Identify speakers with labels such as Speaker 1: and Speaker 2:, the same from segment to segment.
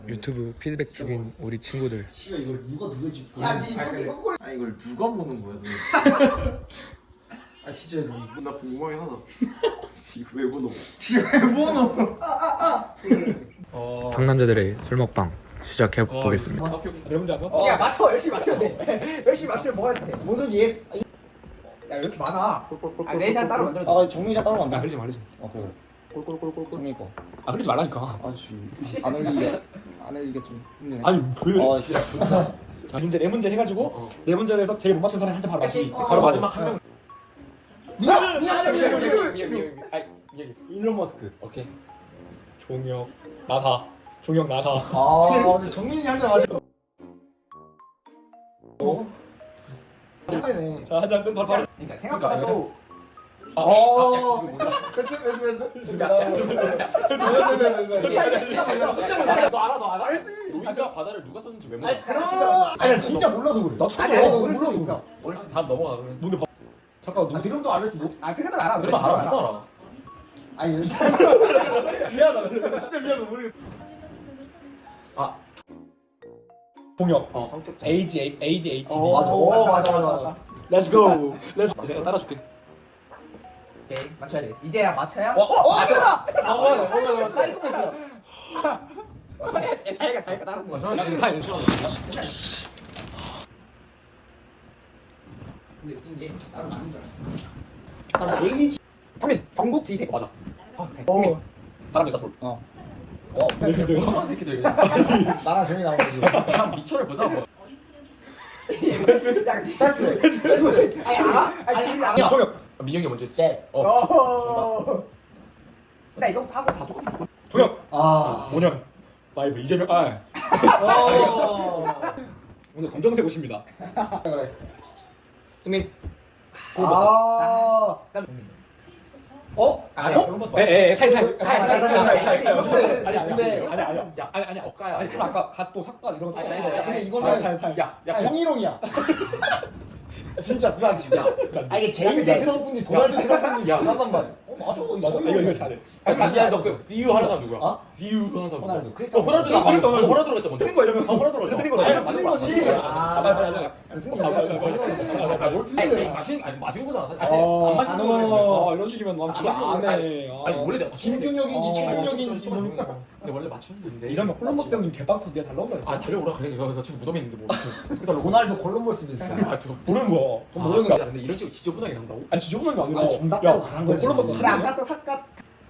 Speaker 1: 유튜브 피드백 중인 우리 친구들.
Speaker 2: 씨발 이걸 누가 누구지?
Speaker 3: 아 이걸 누가 보는 거야 도대체?
Speaker 2: 아 진짜
Speaker 3: 나 궁금하긴 하다. 이거 왜 보노?
Speaker 2: 씨발 뭐노?
Speaker 1: 상남자들의 술 먹방 시작해 보겠습니다.
Speaker 4: 여러분들 한번?
Speaker 5: 야 맞춰 열심히 맞춰야 돼. 열심히 맞추면 뭐가 돼? 뭔 소리지? 예스. 야 이렇게 많아. 내 잔 따로 만들어.
Speaker 2: 아 정민이가 따로
Speaker 4: 나
Speaker 2: 만다.
Speaker 4: 흐르지 말지.
Speaker 2: 그래. 꼴꼴꼴꼴 정민이 거.
Speaker 4: 아 흐르지 말라니까.
Speaker 2: 안 흘리게 안 흘리게 좀 힘드네.
Speaker 4: 아니 왜?
Speaker 2: 진짜
Speaker 4: 자 문제 네 문제 해가지고 네 문제를 해서 제일 못 맞춘 사람이 한잔 바로 마시기.
Speaker 5: 바로
Speaker 4: 마지막
Speaker 5: 한 명.
Speaker 2: 미안.
Speaker 5: 일론 머스크.
Speaker 4: 오케이. 종혁 나사. 종혁 나사.
Speaker 2: 아 근데 정민이 한잔 마셔. 힘드네.
Speaker 4: 자 한잔 끝 바로.
Speaker 5: 그러니까 생각보다도
Speaker 2: 패스.
Speaker 5: 너 알아? 알지?
Speaker 3: 우리가 바다를 누가 썼는지 왜 몰라?
Speaker 2: 아니 나 진짜 몰라서 그래. 나
Speaker 5: 아니
Speaker 2: 몰라서
Speaker 5: 있어.
Speaker 3: 다 넘어가 그러면.
Speaker 4: 뭔데? 잠깐 누구?
Speaker 2: 지금도 안 했어. 뭐?
Speaker 5: 아 들으면 알아.
Speaker 3: 들으면 알아 누가 알아?
Speaker 2: 아니
Speaker 4: 미안하다. 진짜 미안해 모르겠.
Speaker 3: 아
Speaker 4: 종혁.
Speaker 5: 성격자.
Speaker 4: ADHD.
Speaker 2: 맞아.
Speaker 4: Let's go. 내가 따라줄게.
Speaker 5: 오케이 맞춰야 돼. 이제야 맞춰야.
Speaker 2: 맞아.
Speaker 5: 사이코패스야. 자기가 다른 거야. 근데 웃긴 게 나도 맞는 줄 알았어.
Speaker 2: 나 ADHD.
Speaker 5: 형민 경국 지색
Speaker 4: 맞아.
Speaker 5: 승민.
Speaker 4: 바람이 사솔.
Speaker 3: 이상한 새끼들.
Speaker 2: 나랑 정민이 나오는 거.
Speaker 3: 그냥 미쳐를 보자 뭐.
Speaker 5: 패스. 아니 알아? 아니 알아.
Speaker 4: 종혁.
Speaker 3: 민영이 먼저 했어.
Speaker 2: 제.
Speaker 5: 나 이거 하고 다 똑같은
Speaker 4: 종혁.
Speaker 2: 아.
Speaker 4: 5년. 파이브 이재명. 오늘 검정색 옷입니다.
Speaker 2: 그래.
Speaker 4: 승민.
Speaker 2: 아.
Speaker 5: 아니야 콜럼버스.
Speaker 4: 타임.
Speaker 3: 아니 억가야.
Speaker 4: 아니 그럼 아까 갓도 삭가 이런 거.
Speaker 3: 아니,
Speaker 2: 근데 이거는
Speaker 4: 타임.
Speaker 3: 야
Speaker 2: 성희롱이야. 진짜 불안치야. 아 이게 제임스 트럼프인지 도널드 트럼프인지 장난만 말. 맞아.
Speaker 4: 이거 잘해.
Speaker 3: 아니야 저 See you 하는 사람 누구야?
Speaker 2: 어?
Speaker 3: See you 하는 사람
Speaker 2: 호날두.
Speaker 3: 누구야?
Speaker 2: 크리스티아노
Speaker 3: 호날두가
Speaker 4: 호날두.
Speaker 3: 호날두가 했죠 먼저.
Speaker 4: 틀린 거 이러면
Speaker 3: 호날두가
Speaker 4: 틀린 거
Speaker 2: 아니 틀린 거지.
Speaker 3: 뭘 틀린 마시는 거잖아 사실. 안 마시는 거.
Speaker 4: 이런 식이면 넌
Speaker 3: 안
Speaker 4: 그거 안 해.
Speaker 3: 아니 원래 내가
Speaker 2: 김중혁인지 최중혁인지 모르겠다.
Speaker 3: 근데 원래 맞추는 건데.
Speaker 4: 이러면 콜럼버스 형님 개빡쳐 네가 달라온다.
Speaker 3: 아 달려오라 그래. 저 지금 무덤에 있는데 뭐.
Speaker 2: 도날드 콜럼버스도 있어.
Speaker 3: 아저
Speaker 4: 모르는 거.
Speaker 2: 모르는 거.
Speaker 3: 근데 이런 식으로 지저분하게 한다고?
Speaker 4: 아니 지저분한 게 아니라.
Speaker 2: 아니, 정답대로 가는 거지.
Speaker 4: 콜럼버스.
Speaker 5: 그래 안 갔다 삭갓.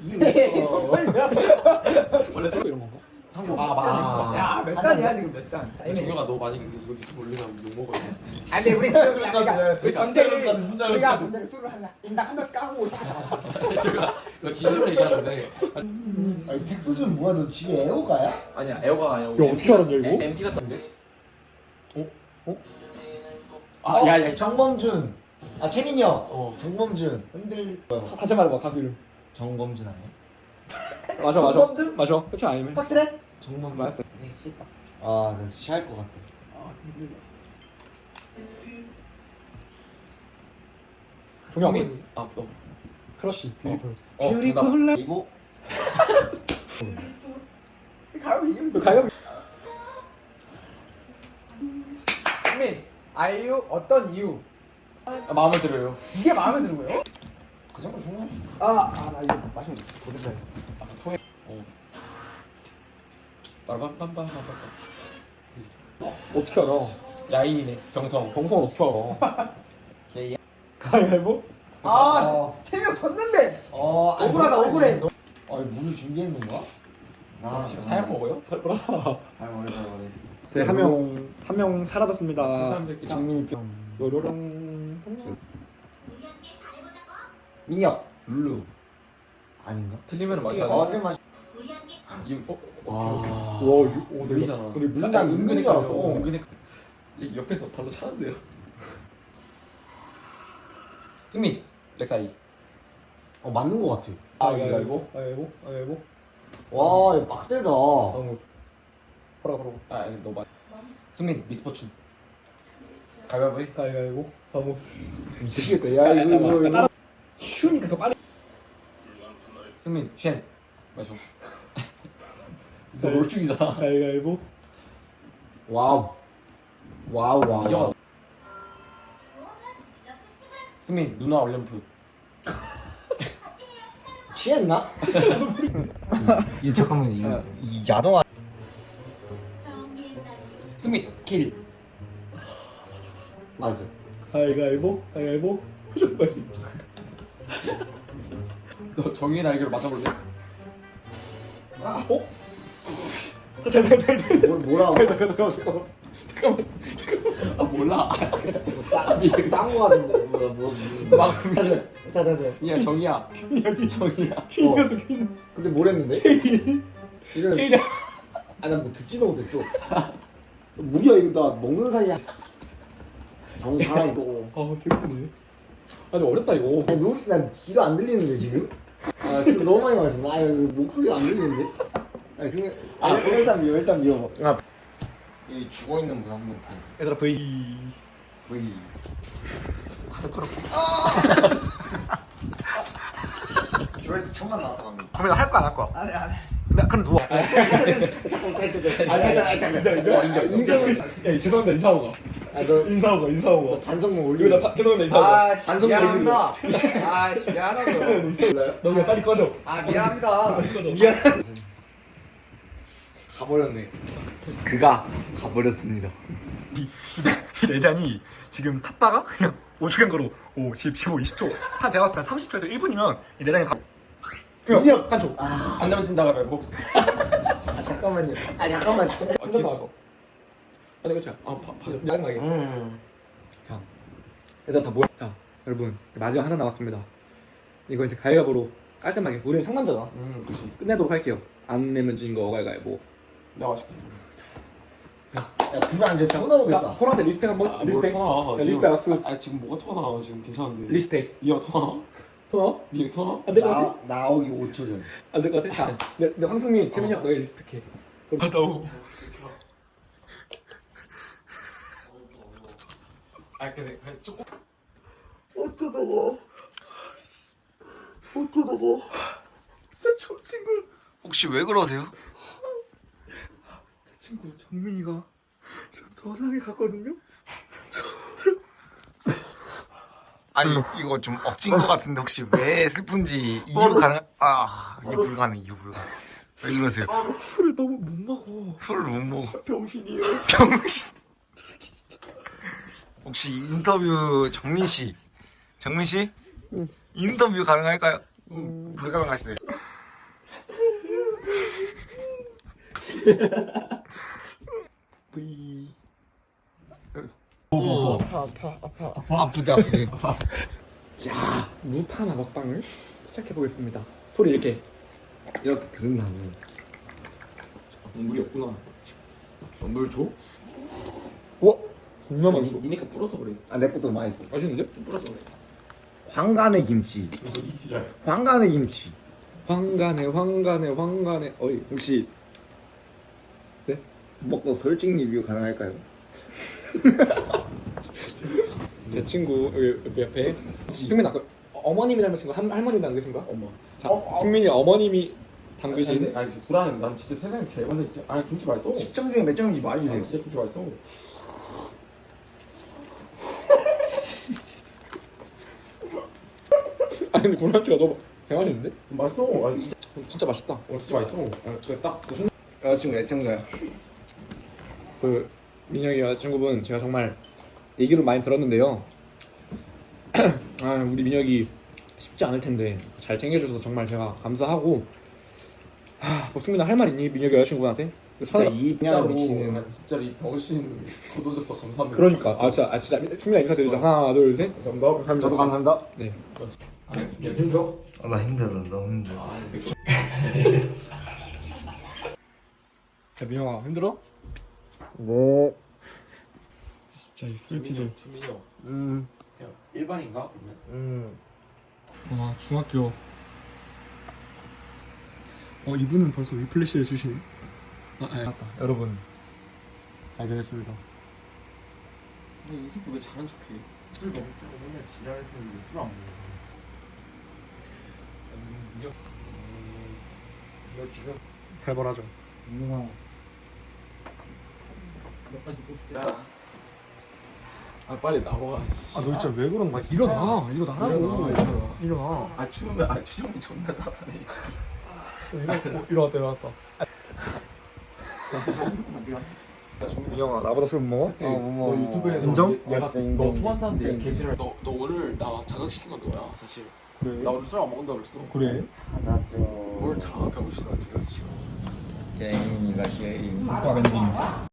Speaker 3: 원래
Speaker 4: 또 이런 건가?
Speaker 3: 아 맞아.
Speaker 5: 야몇 잔이야 지금 몇 잔?
Speaker 3: 종혁아 너 만약 이거 유튜브 올리면 욕 먹어.
Speaker 5: 아니 근데 우리 지금 그러니까 우리
Speaker 2: 진짜
Speaker 5: 전쟁이
Speaker 2: 그럴까, 진짜
Speaker 5: 우리가
Speaker 2: 그럴까.
Speaker 5: 전쟁을 술을 하나 인당 한 명 까고 오자.
Speaker 3: 이거 진심으로 얘기하는 건데.
Speaker 2: 아니 백수준 뭐야 너 집에 애호가야?
Speaker 3: 아니야 에어가 아니야.
Speaker 4: 야 어떻게 알았냐 이거?
Speaker 3: MT 같던데?
Speaker 2: 야야 정범준. 아 최민혁. 정범준. 흔들.
Speaker 4: 다시 말해봐 가수 이름.
Speaker 2: 정범준 아니야?
Speaker 4: 맞아.
Speaker 5: 정범준?
Speaker 4: 맞아. 그렇지 아니면.
Speaker 5: 확실해?
Speaker 2: 정범준.
Speaker 4: 맞았어.
Speaker 5: 싫다.
Speaker 2: 아, 나 취할 것 같아.
Speaker 4: 종혁.
Speaker 3: 아 너.
Speaker 4: 크러쉬. 뷰티풀.
Speaker 3: 뷰티풀.
Speaker 2: 이거
Speaker 5: 가요 이름.
Speaker 4: 가요.
Speaker 5: 승민 아이유 어떤 이유?
Speaker 3: 마음에 들어요.
Speaker 5: 이게 마음에 드는 거예요?
Speaker 2: 그 정도 중요해.
Speaker 5: 나 이거 마시면 도대체.
Speaker 3: 토해.
Speaker 4: 빠밤빰빰빰빰. 어떻게 알아?
Speaker 3: 야인이네. 정성.
Speaker 4: 정성은 어떻게 알아?
Speaker 2: 걔
Speaker 4: 가위바위보?
Speaker 5: 채명 졌는데.
Speaker 2: 아니,
Speaker 5: 억울하다 억울해.
Speaker 2: 아니 물을 준비해 놓은 거야? 나
Speaker 3: 사약 먹어요?
Speaker 4: 살벌하다.
Speaker 2: 잘
Speaker 4: 저희 한명 사라졌습니다.
Speaker 3: 사람들끼리.
Speaker 2: 장민이
Speaker 4: 요로롱.
Speaker 2: 민혁 룰루 아닌가?
Speaker 3: 틀리면 마셔야 돼.
Speaker 2: 틀린 맛.
Speaker 3: 이거
Speaker 2: 와.
Speaker 3: 보이잖아.
Speaker 4: 근데 물
Speaker 2: 나 은근히 알았어.
Speaker 3: 은근히 옆에서 발로 차는데요.
Speaker 2: 승민
Speaker 3: 렉사이.
Speaker 2: 맞는 거 같아.
Speaker 4: 가위바위보?
Speaker 2: 와 이거 빡세다.
Speaker 4: 바로.
Speaker 3: 너 맞. 승민 미스포춘. 가위바위보 해.
Speaker 4: 가위바위보. 바모.
Speaker 2: 미치겠다. 야 이거.
Speaker 4: 쉬우니까 더 빨리.
Speaker 3: 승민 쉔. 마셔. 너 롤충이잖아.
Speaker 4: 가위가위보.
Speaker 2: 와우. 와우 와우.
Speaker 3: 야.
Speaker 2: 승민 누나 얼렴풋. 취했나? 이 잠깐만 이 야동아. 승민 킬. 맞아.
Speaker 4: 가위가위보. 표정 빨리.
Speaker 3: 너 정의의 날개로 맞아볼래?
Speaker 4: 어? 잠깐만.
Speaker 2: 뭐라고?
Speaker 4: 잠깐만.
Speaker 3: 아 몰라.
Speaker 2: 싼거 같은데 뭐
Speaker 3: 막
Speaker 2: 자.
Speaker 3: 그냥 정의야. 정의야.
Speaker 4: 퀸이었어 퀸.
Speaker 2: 근데 뭘 했는데? 이런
Speaker 4: 퀸이야.
Speaker 2: 아난 뭐 듣지도 못했어. 무기야 이거 나 먹는 사이야. 정 살아있고.
Speaker 4: 아 개웃기네. 아 근데 어렵다 이거.
Speaker 2: 아니 난 귀가 안 들리는데 지금? 아 지금 너무 많이 마셨나? 아 목소리가 안 들리는데? 아 승현 일단 미워봐. 아 여기 죽어있는 분 한 분 다.
Speaker 4: 얘들아 V.
Speaker 2: V. 조회수 1000만 나왔다 방금.
Speaker 1: 그러면 할 거야 안 할 거야?
Speaker 5: 안해 안해.
Speaker 1: 나 그럼 누워.
Speaker 4: 인정. 야 죄송합니다 인사하고 가.
Speaker 2: 아너
Speaker 4: 인사하고 가.
Speaker 2: 반성문
Speaker 4: 이거
Speaker 2: 올리고.
Speaker 4: 나 죄송합니다 인사하고 가.
Speaker 5: 아
Speaker 2: 반성
Speaker 5: 미안합니다. 아 미안하다고요.
Speaker 2: 몰라요?
Speaker 4: 너 그냥 빨리 꺼져.
Speaker 5: 아 미안합니다.
Speaker 2: 미안. 가버렸네. 그가 가버렸습니다.
Speaker 1: 이 내장이 지금 찾다가 그냥 5초간 거로 5, 10, 15, 20초 한 제가 봤을 때 30초에서 1분이면 이 내장이 다
Speaker 2: 민혁
Speaker 1: 한초.
Speaker 3: 안 되면 진다가 말고.
Speaker 2: 아 잠깐만요. 아 잠깐만 진짜.
Speaker 3: 아, 계속.
Speaker 4: 아니 그렇지. 짜증나게.
Speaker 1: 자, 얘들 다 모여. 자, 여러분 마지막 하나 남았습니다. 이거 이제 가위바위보로 깔끔하게. 우리는 상남자다.
Speaker 3: 그렇지.
Speaker 1: 끝내도록 할게요. 안 내면 진 거 가위바위보.
Speaker 3: 내가 맛있게.
Speaker 2: 야 불을 안 졌다. 혼나보겠다.
Speaker 4: 자 소라한테 리스펙 한번.
Speaker 3: 아,
Speaker 4: 리스펙.
Speaker 3: 뭘
Speaker 4: 야, 리스펙 악수.
Speaker 3: 아 지금 뭐가 터나 지금 괜찮은데.
Speaker 1: 리스펙.
Speaker 3: 이어 터나?
Speaker 4: 토너?
Speaker 3: 미에 터나?
Speaker 4: 안될 것 같아?
Speaker 2: 나오기 5초 전.
Speaker 4: 안될 것 같아? 자, 내 황승민, 태민이 형 너희 리스펙해.
Speaker 1: 나오고.
Speaker 3: 아 근데 조금.
Speaker 1: 혹시 왜 그러세요?
Speaker 4: 제 친구 정민이가 지금 저상에 갔거든요?
Speaker 1: 아니 이거 좀 억진 것 같은데 혹시 왜 슬픈지 이유 가능? 이유 불가능. 왜 그러세요?
Speaker 4: 술을 너무 못 먹어.
Speaker 1: 술을 못 먹어.
Speaker 4: 병신이에요.
Speaker 1: 병신. 혹시 인터뷰 정민 씨 인터뷰 가능할까요? 불가능하시네요.
Speaker 4: V.
Speaker 1: 아프다.
Speaker 4: 자, 무파마 먹방을 시작해 보겠습니다. 소리 이렇게.
Speaker 2: 들은다면.
Speaker 3: 물이 없구나. 물 줘?
Speaker 4: 와, 존나 맛있어.
Speaker 3: 니네가 불어서 그래.
Speaker 2: 아내 것도 맛있어.
Speaker 4: 맛있는데?
Speaker 3: 좀 불어서 그래.
Speaker 2: 황간의 김치. 황간의 김치.
Speaker 4: 황간에. 어이,
Speaker 2: 혹시
Speaker 4: 네?
Speaker 2: 먹고 솔직 리뷰 가능할까요?
Speaker 4: 제 친구 여기 옆에 승민 아까 어머님이 닮으신 거 할머니 닮으신 거?
Speaker 3: 엄마.
Speaker 4: 자, 승민이 어머님이 담그신.
Speaker 3: 아니 불안해. 난 진짜 세상에 제일 맛있어. 진짜. 아니 김치 맛있어.
Speaker 2: 10점 중에 몇 점인지 말해주세요.
Speaker 3: 진짜 김치 맛있어.
Speaker 4: 아니 근데 고란주가 너무 개맛있는데?
Speaker 3: 맛있어. 아니 진짜.
Speaker 4: 진짜 맛있다.
Speaker 3: 진짜 맛있어. 딱 무슨
Speaker 2: 여자친구 애청자야.
Speaker 4: 그 민혁이 여자친구분 제가 정말 얘기를 많이 들었는데요. 우리 민혁이 쉽지 않을 텐데 잘 챙겨줘서 정말 제가 감사하고. 뭐 승민아 할 말 있니? 민혁이 여자친구분한테?
Speaker 2: 진짜 이
Speaker 3: 진짜로
Speaker 2: 미치는.
Speaker 3: 진짜로 이 병신 거둬줘서 감사합니다.
Speaker 4: 그러니까 진짜 승민아 인사드리자. 하나 둘 셋.
Speaker 3: 감사합니다.
Speaker 2: 저도 감사합니다.
Speaker 4: 네.
Speaker 3: 야 힘들어?
Speaker 1: 나 힘들어. 너무 힘들어.
Speaker 4: 야 민혁아 힘들어?
Speaker 2: 네.
Speaker 4: 진짜 이 술티들.
Speaker 3: 주민이 형. 그냥 일반인가 그러면?
Speaker 4: 와 중학교. 이분은 벌써 위플래시를 주시네. 맞다. 여러분 발견했습니다.
Speaker 3: 근데 이 새끼 왜 잘한 척해? 술 먹자고 맨날 지랄했으면 왜 술 안 먹어? 너 지금
Speaker 4: 살벌하죠.
Speaker 2: 민영아.
Speaker 3: 너까지 꽂을게. 아 빨리 나와.
Speaker 4: 아 너 진짜 왜 그러는 거야? 일어나 일어나라고. 일어나.
Speaker 3: 아 추우면 존나 따뜻해.
Speaker 4: 일어났다. 민영아 나보다 술 못 먹어?
Speaker 3: 너 유튜브에서
Speaker 4: 인정?
Speaker 3: 내가
Speaker 2: 알았어,
Speaker 3: 너
Speaker 2: 인정.
Speaker 3: 토한다는데
Speaker 2: 인정.
Speaker 3: 개지랄. 너 오늘 나 자극시킨 건 너야 사실.
Speaker 4: 그래.
Speaker 3: 나 오늘 술 안 먹는다 그랬어.
Speaker 4: 그래?
Speaker 2: 찾았죠.
Speaker 3: 뭘 자 병신아 지금.
Speaker 2: 게임이다 게임.
Speaker 4: 오빠 밴딩.